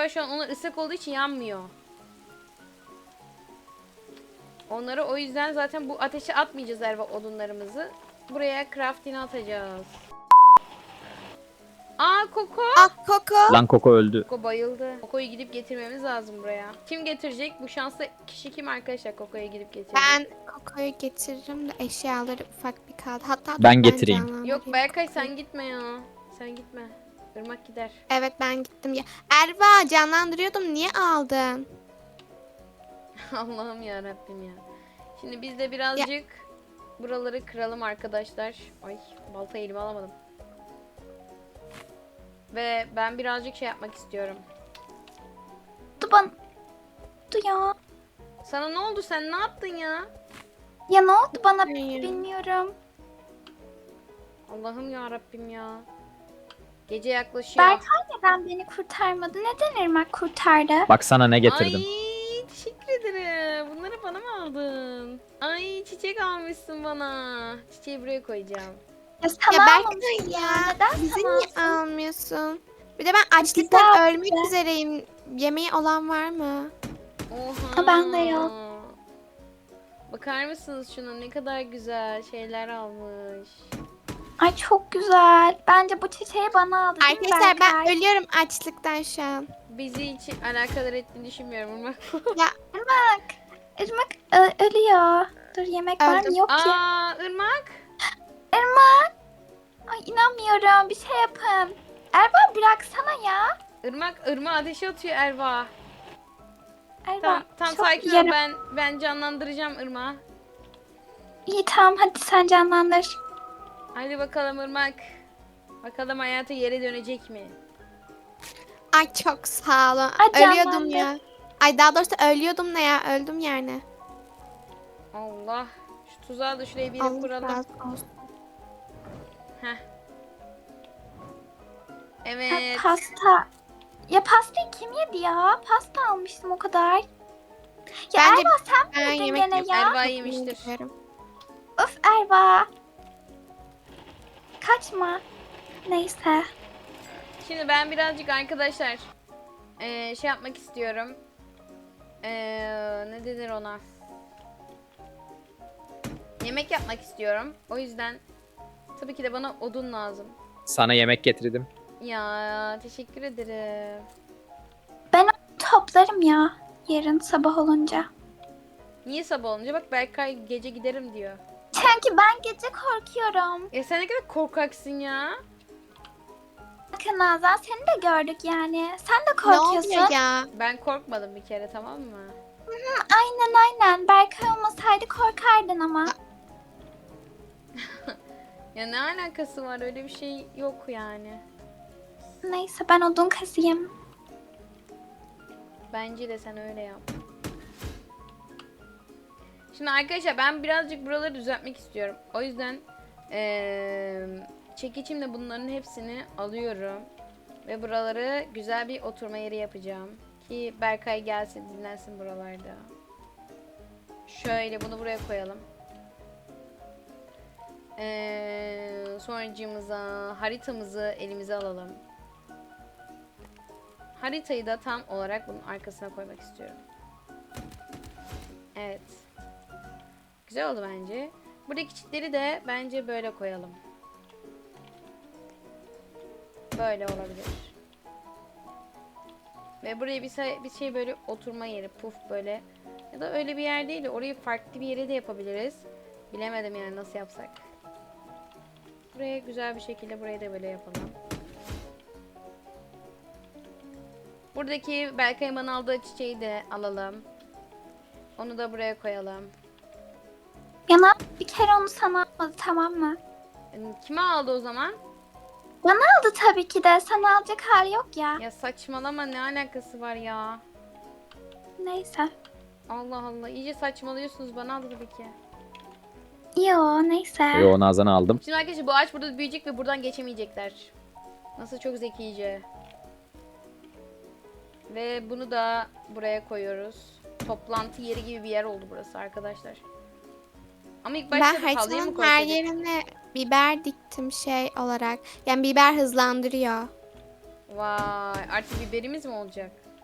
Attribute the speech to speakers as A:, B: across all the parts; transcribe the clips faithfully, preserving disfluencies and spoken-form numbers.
A: galiba şu an onlar ıslak olduğu için yanmıyor. Onları o yüzden zaten bu ateşe atmayacağız Erva odunlarımızı. Buraya crafting'e atacağız. Aa Koko.
B: Ah Koko.
C: Lan Koko öldü.
A: Koko bayıldı. Koko'yu gidip getirmemiz lazım buraya. Kim getirecek? Bu şanslı kişi kim arkadaşlar Koko'yu gidip getirecek?
B: Ben Koko'yu getiririm de eşyaları ufak bir kaldı. Hatta dur,
C: Ben getireyim.
B: canlandırayım
A: Yok Berkay
B: Koko'yu.
A: sen gitme ya. Sen gitme. Irmak gider.
B: Evet ben gittim ya. Erva canlandırıyordum, niye aldın?
A: Allah'ım ya Rabbim ya. Şimdi biz de birazcık buraları kıralım arkadaşlar. Ay balta elime alamadım. Ve ben birazcık şey yapmak istiyorum.
D: Dur bana. Dur ya.
A: Sana ne oldu? Sen ne yaptın ya?
D: Ya ne oldu bana
B: Hayır.
D: bilmiyorum.
A: Allah'ım ya Rabbim ya. Gece yaklaşıyor.
D: Berkay neden beni kurtarmadı? Neden Irmak kurtardı?
C: Bak sana ne getirdim.
A: Ay teşekkür ederim. Bunları bana mı aldın? Ay çiçek almışsın bana. Çiçeği buraya koyacağım.
D: Ya sana
B: Ya
D: almamıştım
B: Berkay
D: ya.
B: ya.
D: Neden
B: Bizi
D: sana
B: niye
D: alsın?
B: almıyorsun? Bir de ben açlıktan
D: Güzel.
B: ölmek üzereyim. Yemeği olan var mı?
A: Oha.
D: Ha, ben de yok.
A: Bakar mısınız şuna ne kadar güzel şeyler almış.
D: Ay çok güzel. Bence bu çiçeği bana aldı değil mi
B: Arkadaşlar ben
D: Berkay?
B: ölüyorum açlıktan şu an.
A: Bizi hiç alakadar ettiğini düşünmüyorum Irmak.
B: Ya
D: Irmak. Irmak ö- ölüyor. Dur yemek var
B: Öldüm.
D: mı? Yok ki.
A: Aa Irmak.
D: Irmak. Ay inanmıyorum. Bir şey yapın. Erba bıraksana ya.
A: Irmak, Irmak ateşe atıyor Erva.
D: Erba.
A: Tam, tam
D: çok
A: sakin ol
D: yarım-
A: ben ben canlandıracağım Irmak'ı.
D: İyi tamam hadi sen canlandır.
A: Hadi bakalım Irmak. Bakalım hayata yere dönecek mi?
B: ay çok sağ olun.
D: Ay,
B: Ölüyordum
D: canlandı.
B: ya. Ay daha doğrusu ölüyordum ne ya, öldüm yani.
A: Allah. Şu tuzağı da şuraya bir yere
B: Allah
A: kuralım.
B: razı olsun.
A: Heh.
D: Ha,
A: Evet.
D: pasta. Ya pastayı kim yedi ya? Pasta almıştım o kadar. Ya
B: Bence
D: Erva sen
B: ben
D: mi yedin
B: yemek
D: gene
B: yapıyorum.
D: ya?
A: Erva yemiştir.
B: Bilmiyorum.
D: Of Erva. Kaçma. Neyse.
A: Şimdi ben birazcık arkadaşlar eee, şey yapmak istiyorum. Eee, ne denir ona? Yemek yapmak istiyorum. O yüzden tabii ki de bana odun lazım.
C: Sana yemek getirdim.
A: Ya teşekkür ederim.
D: Toplarım ya. Yarın sabah olunca.
A: Niye sabah olunca? Bak Berkay gece giderim diyor.
D: Çünkü ben gece korkuyorum.
A: Ya sen ne kadar korkaksın ya.
D: Bakın Nazan seni de gördük yani. Sen de
B: Ne
D: korkuyorsun.
B: oluyor ya?
A: Ben korkmadım bir kere tamam mı?
D: Aynen aynen. Berkay olmasaydı korkardın ama.
A: Ya ne alakası var öyle bir şey yok yani.
D: Neyse ben odun kazıyım.
A: Bence de sen öyle yap. Şimdi arkadaşlar ben birazcık buraları düzeltmek istiyorum. O yüzden eee çekiçimle bunların hepsini alıyorum. Ve buraları güzel bir oturma yeri yapacağım. Ki Berkay gelsin dinlensin buralarda. Şöyle bunu buraya koyalım. Eee sonracığımıza haritamızı elimize alalım. Haritayı da tam olarak bunun arkasına koymak istiyorum. Evet. Güzel oldu bence. Buradaki çitleri de bence böyle koyalım. Böyle olabilir. Ve buraya bir şey, bir şey böyle oturma yeri, puf böyle. Ya da öyle bir yer değil de orayı farklı bir yere de yapabiliriz. Bilemedim yani nasıl yapsak. Buraya güzel bir şekilde burayı da böyle yapalım. Buradaki Berkay'ın bana aldığı çiçeği de alalım. Onu da buraya koyalım.
D: Yana bir kere onu sana almadı tamam mı?
A: Yani kime aldı o zaman?
D: Aldı tabii ki de. Sana alacak hali yok ya.
A: Ya saçmalama ne alakası var ya?
D: Neyse.
A: Allah Allah iyice saçmalıyorsunuz bana aldı tabii ki.
D: Yo neyse.
C: Yo Nazan'ı aldım.
A: Şimdi arkadaşlar bu ağaç burada büyüyecek ve buradan geçemeyecekler. Nasıl çok zekice. Ve bunu da buraya koyuyoruz. Toplantı yeri gibi bir yer oldu burası arkadaşlar. Ama ilk başta
B: Ben
A: halıya mı
B: haritanın her
A: koysaydık?
B: yerine biber diktim şey olarak. Yani biber hızlandırıyor.
A: Vay artık biberimiz mi olacak?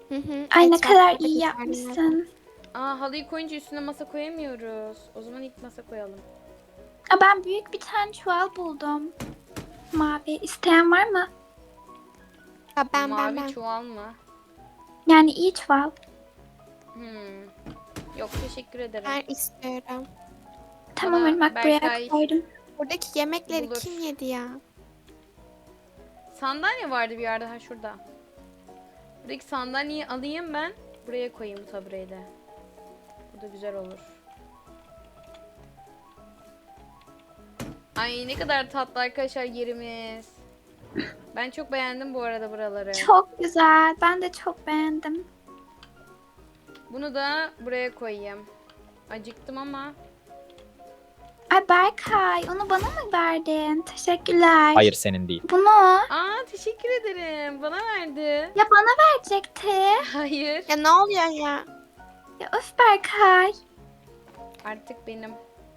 B: Hı hı.
D: Ay ne
B: Etrafta
D: kadar
B: da
D: iyi
B: güzel
D: yapmışsın.
A: Aa, halıyı koyunca üstüne masa koyamıyoruz. O zaman ilk masa koyalım.
D: Aa, ben büyük bir tane çuval buldum. Mavi. İsteyen var mı?
B: Ha, ben
A: Mavi
B: ben ben.
A: çuval mı?
D: Yani iyi çuval.
A: Hmm. Yok, teşekkür ederim.
B: Ben istiyorum.
D: Tamam
A: Bana
D: Irmak buraya
A: Berkay
D: koydum.
B: Buradaki yemekleri
A: bulur.
B: kim yedi ya?
A: Sandalye vardı bir yerde, ha şurada. Buradaki sandalyeyi alayım ben. Buraya koyayım bu tabureyle. Bu da güzel olur. Ay ne kadar tatlı arkadaşlar yerimiz. Ben çok beğendim bu arada buraları.
D: Çok güzel. Ben de çok beğendim.
A: Bunu da buraya koyayım. Acıktım ama.
D: Ay Berkay onu bana mı verdin? Teşekkürler.
C: Hayır, senin değil.
D: Bunu
A: Aa, teşekkür ederim. Bana verdi.
D: ya bana verecekti.
A: Hayır.
B: Ya ne oluyor ya?
D: Ya öf Berkay.
A: Artık benim.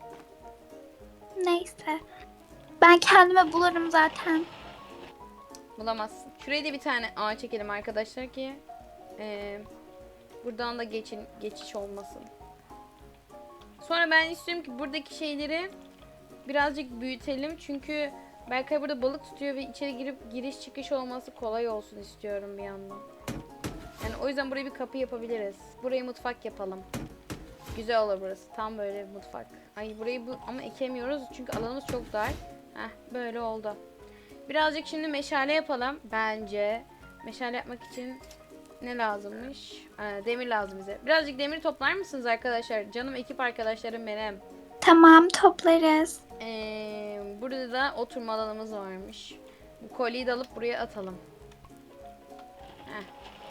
D: Neyse. Ben kendime bulurum zaten.
A: Bulamazsın. Şuraya da bir tane ağ çekelim arkadaşlar ki eee, buradan da geçin, geçiş olmasın. Sonra ben istiyorum ki buradaki şeyleri birazcık büyütelim. Çünkü Berkay burada balık tutuyor ve içeri girip giriş çıkış olması kolay olsun istiyorum bir yandan. Yani o yüzden buraya bir kapı yapabiliriz. Burayı mutfak yapalım. Güzel olur burası. Tam böyle bir mutfak. Ay burayı bu ama ekemiyoruz çünkü alanımız çok dar. Heh, böyle oldu. Birazcık şimdi meşale yapalım bence. Meşale yapmak için ne lazımmış? Ee, demir lazım bize. Birazcık demir toplar mısınız arkadaşlar? Canım ekip arkadaşlarım benim.
D: Tamam toplarız.
A: Ee, burada da oturma alanımız varmış. Bu kolyeyi de alıp buraya atalım. Heh.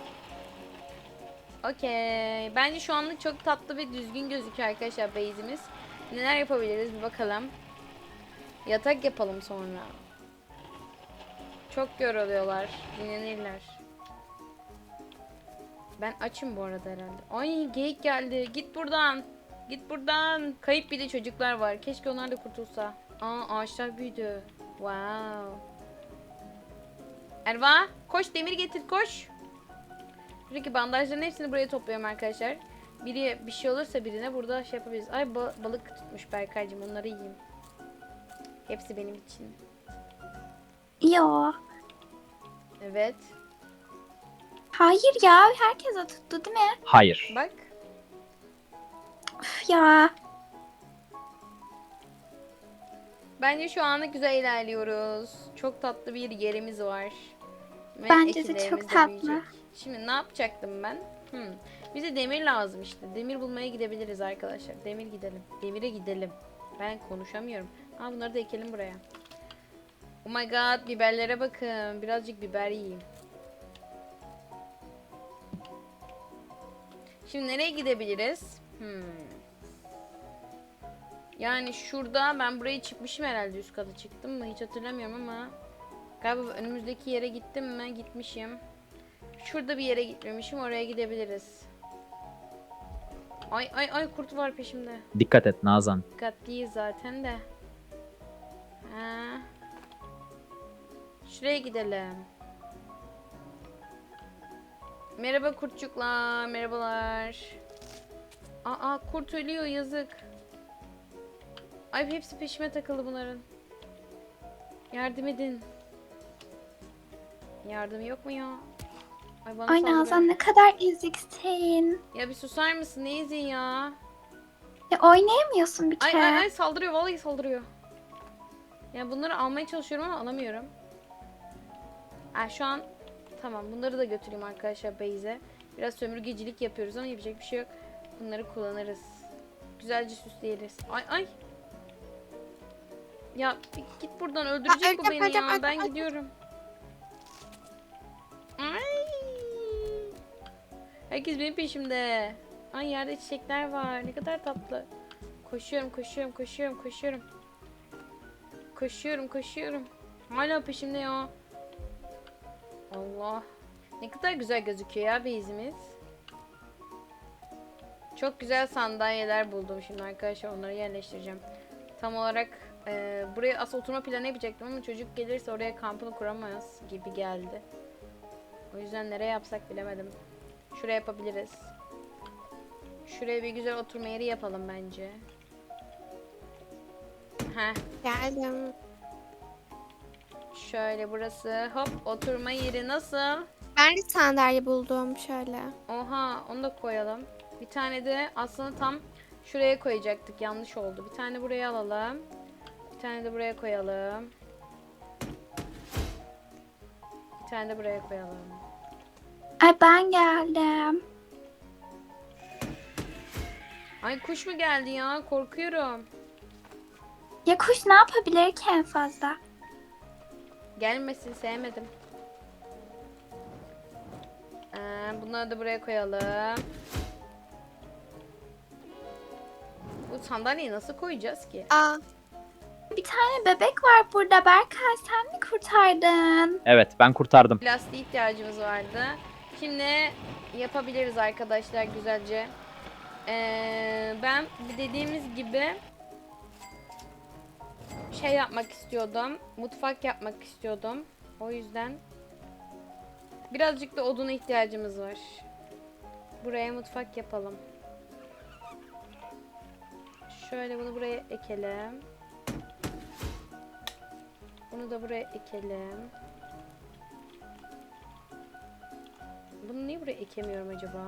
A: Okey. Bence şu anlık çok tatlı ve düzgün gözüküyor arkadaşlar base'imiz. Neler yapabiliriz bir bakalım. Yatak yapalım sonra. Çok yoruluyorlar. Dinlenirler. Ben açım bu arada herhalde. Ay geyik geldi. Git buradan. Git buradan. Kayıp bir de çocuklar var. Keşke onlar da kurtulsa. Aa, ağaçlar büyüdü. Wow. Erva koş, demir getir, koş. Şuradaki bandajların hepsini buraya topluyorum arkadaşlar. Biri bir şey olursa birine burada şey yapabiliriz. Ay ba- balık tutmuş Berkaycığım, onları yiyeyim. Hepsi benim için.
D: Yo.
A: Evet.
D: Hayır ya herkese tuttu değil mi?
C: Hayır.
A: Bak.
D: Üf ya.
A: Bence şu anda güzel ilerliyoruz. Çok tatlı bir yerimiz var. Ve
D: Bence de
A: ekinlerimiz
D: çok
A: de
D: tatlı.
A: büyüyecek. Şimdi ne yapacaktım ben? Hmm. Bize demir lazım işte. Demir bulmaya gidebiliriz arkadaşlar. Demir gidelim. Demire gidelim. Ben konuşamıyorum. Aa, bunları da ekelim buraya. Oh my god, biberlere bakın. Birazcık biber yiyeyim. Şimdi nereye gidebiliriz? Hmm. Yani şurada ben buraya çıkmışım herhalde, üst kata çıktım mı hiç hatırlamıyorum ama galiba önümüzdeki yere gittim mi, gitmişim. Şurada bir yere gitmemişim, oraya gidebiliriz. Ay ay ay, kurt var peşimde.
C: Dikkat et Nazan.
A: Dikkatliyiz zaten de. Ha. Şuraya gidelim. Merhaba kurtçuklar, merhabalar. Aa, kurt ölüyor, yazık. Ay hepsi peşime takıldı bunların. Yardım edin. Yardım yok mu ya? Ay bana
D: Ay
A: saldırıyor.
D: Nazan ne kadar eziksin.
A: Ya bir susar mısın? Ne izin ya?
D: Ya oynayamıyorsun bir
A: Ay
D: kere.
A: ay ay, saldırıyor, vallahi saldırıyor. Ya bunları almaya çalışıyorum ama alamıyorum. Ha, şu an tamam, bunları da götüreyim arkadaşlar base'e. Biraz sömürgecilik yapıyoruz ama yapacak bir şey yok. Bunları kullanırız. Güzelce süsleyeriz. Ay ay. Ya git buradan, öldürecek
B: Aa,
A: bu beni
B: öleceğim,
A: ya.
B: öleceğim,
A: Ben
B: öleceğim.
A: gidiyorum. Ay. Herkes benim peşimde. Ay yerde çiçekler var. Ne kadar tatlı. Koşuyorum, koşuyorum, koşuyorum, koşuyorum. Koşuyorum, koşuyorum. Hala peşimde ya. Allah. Ne kadar güzel gözüküyor ya base'imiz. Çok güzel sandalyeler buldum şimdi arkadaşlar. Onları yerleştireceğim. Tam olarak e, buraya asıl oturma planı yapacaktım ama çocuk gelirse oraya kampını kuramaz gibi geldi. O yüzden nereye yapsak bilemedim. Şuraya yapabiliriz. Şuraya bir güzel oturma yeri yapalım bence. Heh.
B: Geldim.
A: Şöyle burası. Hop, oturma yeri nasıl?
B: Ben de sandalye buldum şöyle.
A: Oha, onu da koyalım. Bir tane de aslında tam şuraya koyacaktık. Yanlış oldu. Bir tane buraya alalım. Bir tane de buraya koyalım. Bir tane de buraya koyalım.
D: Ay ben geldim.
A: Ay kuş mu geldi ya? Korkuyorum.
D: Ya kuş ne yapabilir ki en fazla?
A: Gelmesin, sevmedim. Ee, bunları da buraya koyalım. Bu sandalyeyi nasıl koyacağız ki?
B: Aa,
D: Bir tane bebek var burada. Berkay sen mi kurtardın?
C: Evet, ben kurtardım.
A: Plastiğe ihtiyacımız vardı. Şimdi yapabiliriz arkadaşlar güzelce. Ee, ben dediğimiz gibi şey yapmak istiyordum. Mutfak yapmak istiyordum. O yüzden birazcık da oduna ihtiyacımız var. Buraya mutfak yapalım. Şöyle bunu buraya ekelim. Bunu da buraya ekelim. Bunu niye buraya ekemiyorum acaba?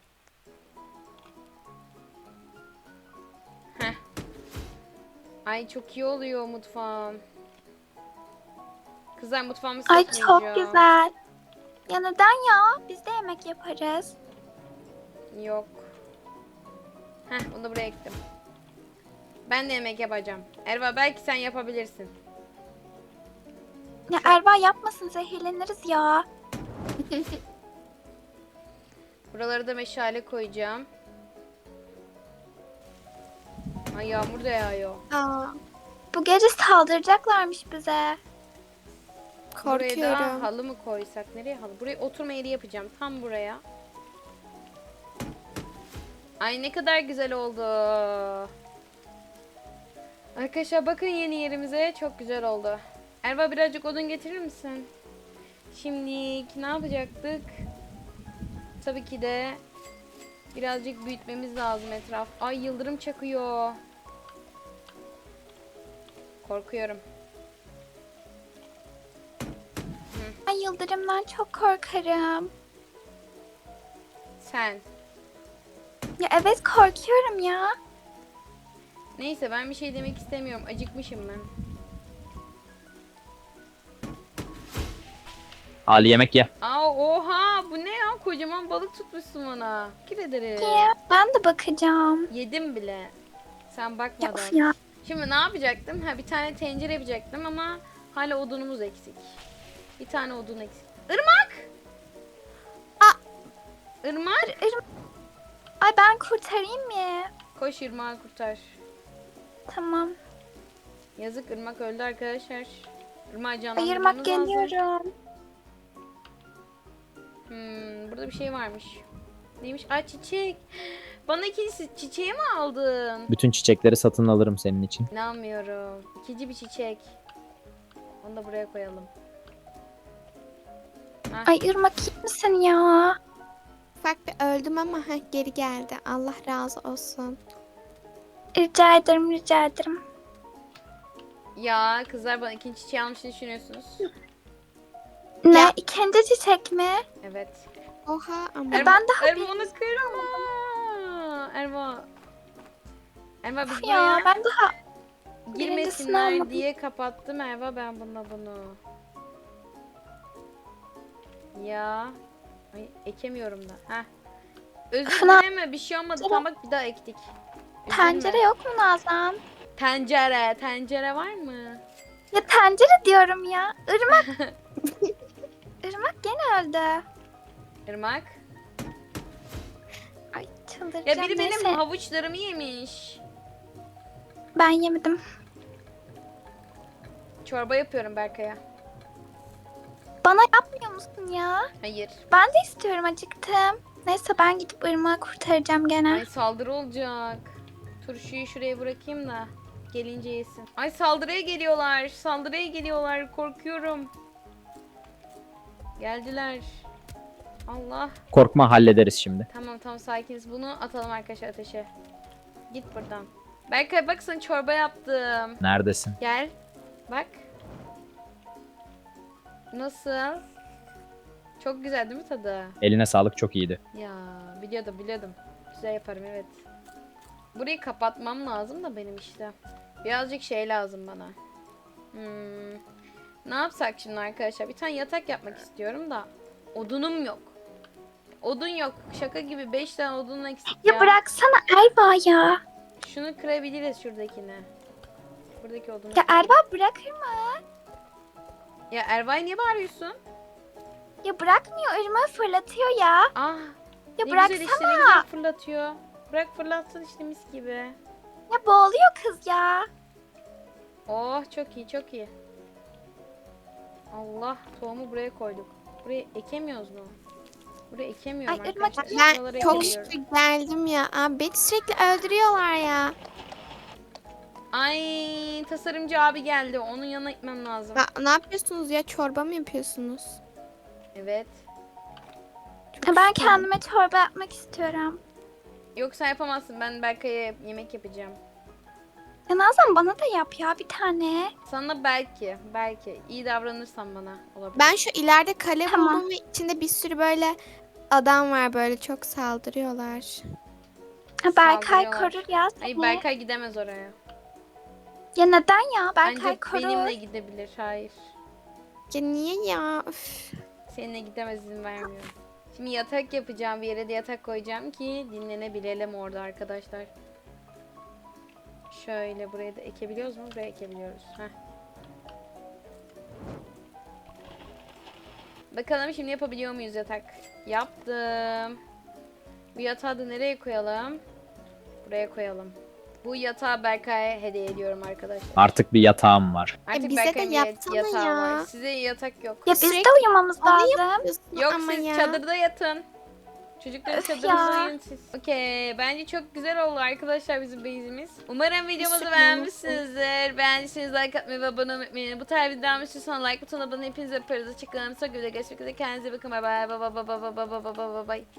A: Heh. Ay çok iyi oluyor mutfağım. Kızlar mutfağımı
D: Ay
A: satmayacağım.
D: çok güzel. Ya neden ya? Biz de yemek yaparız.
A: Yok. Heh, bunu da buraya ektim. Ben de yemek yapacağım. Erva belki sen yapabilirsin.
D: Ya Erva yapmasın zehirleniriz ya.
A: Buraları da meşale koyacağım. Ay yağmur da yağıyor.
D: Aa, bu gece saldıracaklarmış bize.
A: Buraya da
B: korkuyorum.
A: halı mı koysak? Nereye halı? Buraya oturma yeri yapacağım. Tam buraya. Ay ne kadar güzel oldu. Arkadaşlar bakın yeni yerimize. Çok güzel oldu. Erva birazcık odun getirir misin? Şimdi ne yapacaktık? Tabii ki de birazcık büyütmemiz lazım etraf. Ay yıldırım çakıyor. Korkuyorum.
D: Ay yıldırımdan çok korkarım.
A: Sen.
D: Ya evet korkuyorum ya.
A: Neyse ben bir şey demek istemiyorum. Acıkmışım ben.
C: Ali yemek ye.
A: Aa oha bu ne ya? Kocaman balık tutmuşsun bana. Teşekkür ederim.
D: Niye? Ben de bakacağım.
A: Yedim bile. Sen
D: Ya
A: bakmadan.
D: of ya.
A: Şimdi ne yapacaktım? Ha bir tane tencere yapacaktım ama hala odunumuz eksik. Bir tane odun eksik. Irmak!
D: Aa!
A: Irmak!
D: Ay ben kurtarayım mı?
A: Koş Irmak'ı kurtar.
D: Tamam.
A: Yazık Irmak öldü arkadaşlar. Irmak'ı
D: Ayırmak
A: canlandırmamız lazım.
D: geliyorum.
A: Hmm, burada bir şey varmış. Neymiş? Ay çiçek. Bana ikinci çiçeği mi aldın?
C: Bütün çiçekleri satın alırım senin için.
A: İnanmıyorum. İkinci bir çiçek. Onu da buraya koyalım. Hah.
D: Ay Irmak iyi misin ya?
B: Ufak bir öldüm ama heh, geri geldi. Allah razı olsun.
D: Rica ederim rica ederim.
A: Ya kızlar bana ikinci çiçeği almış ne düşünüyorsunuz?
D: Ne?
B: Ya.
D: İkinci çiçek mi?
A: Evet.
B: Oha ama.
A: Erva,
D: ben daha
A: Erva onu kırma. Erva. Erva biz
D: Of
A: buraya
D: ya ben daha birincisini
A: girmesinler
D: almadım.
A: diye kapattım Erva ben bununla bunu. Ya. Ay ekemiyorum da. Heh. Özür
D: Fına-
A: dileme bir şey olmadı. Tamam bak bir daha ektik. Üzülme.
D: Tencere yok mu Nazan?
A: Tencere. Tencere var mı?
D: Ya tencere diyorum ya. Irmak. Irmak gene öldü.
A: Irmak.
D: Ay çıldıracağım.
A: Ya biri benim
D: Neyse,
A: havuçlarımı yemiş.
D: ben yemedim.
A: Çorba yapıyorum Berkay'a.
D: Bana yapmıyor musun ya?
A: Hayır.
D: Ben de istiyorum acıktım. Neyse ben gidip Irmak'ı kurtaracağım gene.
A: Ay saldırı olacak. Turşuyu şuraya bırakayım da gelince yesin. Ay saldırıya geliyorlar. Saldırıya geliyorlar. Korkuyorum. Geldiler. Allah.
C: Korkma, hallederiz şimdi.
A: Tamam tamam sakiniz. Bunu atalım arkadaşlar ateşe. Git buradan. Berkay bak sana çorba yaptım.
C: Neredesin?
A: Gel. Bak. Nasıl? Çok güzel değil mi tadı?
C: Eline sağlık, çok iyiydi.
A: Ya biliyordum biliyordum. Güzel yaparım evet. Burayı kapatmam lazım da benim işte. Birazcık şey lazım bana. Hmm. Ne yapsak şimdi arkadaşlar? Bir tane yatak yapmak istiyorum da. Odunum yok. Odun yok. Şaka gibi beş tane odun eksik ya.
D: Ya bıraksana Erva ya.
A: Şunu kırabiliriz şuradakini. Buradaki odunu.
D: Ya
A: kırayım.
D: Erva bırakır mı?
A: Ya Ervay niye bağırıyorsun?
D: Ya bırakmıyor, ırmağı fırlatıyor ya.
A: Ah.
D: Ya
A: ne
D: bıraksana.
A: güzel işte ne güzel fırlatıyor. Bırak fırlatsın işte mis gibi.
D: Ya boğuluyor kız ya.
A: Oh çok iyi çok iyi. Allah tohumu buraya koyduk. Buraya ekemiyoruz mu? Buraya ekemiyorum
D: Ay, Irmak,
A: arkadaşlar.
B: Ben
A: Şuralara
B: çok
A: ekemiyorum.
B: şükür geldim ya. Abi beni sürekli öldürüyorlar ya.
A: Ay tasarımcı abi geldi. Onun yanına gitmem lazım.
B: Na- ne yapıyorsunuz ya? Çorba mı yapıyorsunuz?
A: Evet.
B: Çok
D: Ya ben
B: şükür.
D: kendime çorba yapmak istiyorum.
A: Yoksa yapamazsın. Ben Berkay'a yemek yapacağım.
D: Ya Nazan bana da yap ya bir tane.
A: Sana belki, belki iyi davranırsan bana olabilir.
B: Ben şu ileride kale
D: Tamam.
B: buldum ve içinde bir sürü böyle adam var, böyle çok saldırıyorlar.
D: Ha, Berkay
A: Saldırıyorlar.
D: korur ya
A: Ay
D: seni.
A: Berkay gidemez oraya.
D: Ya neden ya? Berkay
A: Ancak
D: korur.
A: benimle gidebilir. Hayır.
B: Ya niye ya? Üf.
A: Seninle gidemez izin vermiyorum. Şimdi yatak yapacağım. Bir yere de yatak koyacağım ki dinlenebilelim orada arkadaşlar. Şöyle buraya da ekebiliyoruz mu? Buraya ekebiliyoruz. Heh. Bakalım şimdi yapabiliyor muyuz yatak? Yaptım. Bu yatağı da nereye koyalım? Buraya koyalım. Bu yatağı Berkay'a hediye ediyorum arkadaşlar.
C: Artık bir yatağım var.
A: Artık
B: bize de
A: Berkay'ın bir
B: yapsana
A: yatağı
B: ya.
A: var. Size yatak yok.
D: Ya biz
B: Sürekli
D: de uyumamız
B: Onu
D: lazım.
B: yapıyorsun
A: Yok
B: ama
A: siz
B: ya.
A: çadırda yatın. Çocukların
D: Öf
A: çadırında
D: ya.
A: uyuyun siz. Okey. Bence çok güzel oldu arkadaşlar bizim base'imiz. Umarım videomuzu
B: Süper
A: beğenmişsinizdir. Beğendiyseniz like atmayı ve abone olmayı unutmayın. Bu tarz videolar istiyorsanız like butonuna basın. Hepinize öperiz. Hoşçakalın. Sonra görüşmek üzere. Kendinize bakın. Bye bye. Bye bye bye bye bye bye bye bye bye.